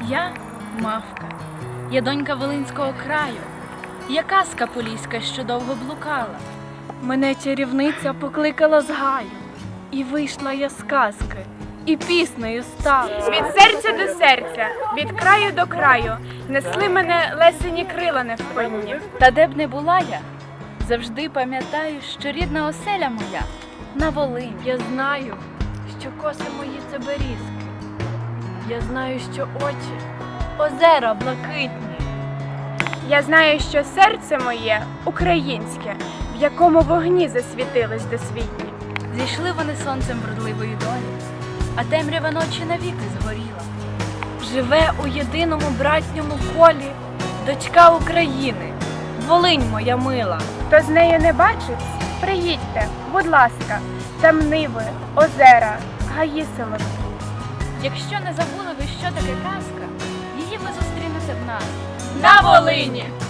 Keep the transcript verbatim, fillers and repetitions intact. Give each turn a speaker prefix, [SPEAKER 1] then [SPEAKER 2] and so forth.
[SPEAKER 1] Я мавка, я донька Волинського краю, я казка поліська, що довго блукала.
[SPEAKER 2] Мене чарівниця покликала з гаю, і вийшла я з казки, і піснею стала.
[SPEAKER 3] Від серця до серця, від краю до краю, несли мене лесені крила невпинні.
[SPEAKER 1] Та де б не була я, завжди пам'ятаю, що рідна оселя моя на Волині.
[SPEAKER 2] Я знаю, що коси мої це берізки, я знаю, що очі озера блакитні.
[SPEAKER 3] Я знаю, що серце моє українське, в якому вогні засвітились досвітні.
[SPEAKER 1] Зійшли вони сонцем вродливої долі, а темрява ночі навіки згоріла.
[SPEAKER 2] Живе у єдиному братньому колі дочка України, Волинь моя мила.
[SPEAKER 3] Хто з нею не бачить, приїдьте, будь ласка, там ниви, озера, гаї солодкі.
[SPEAKER 1] Якщо не забули ви, що таке казка, її ви зустрінете в нас
[SPEAKER 2] На Волині!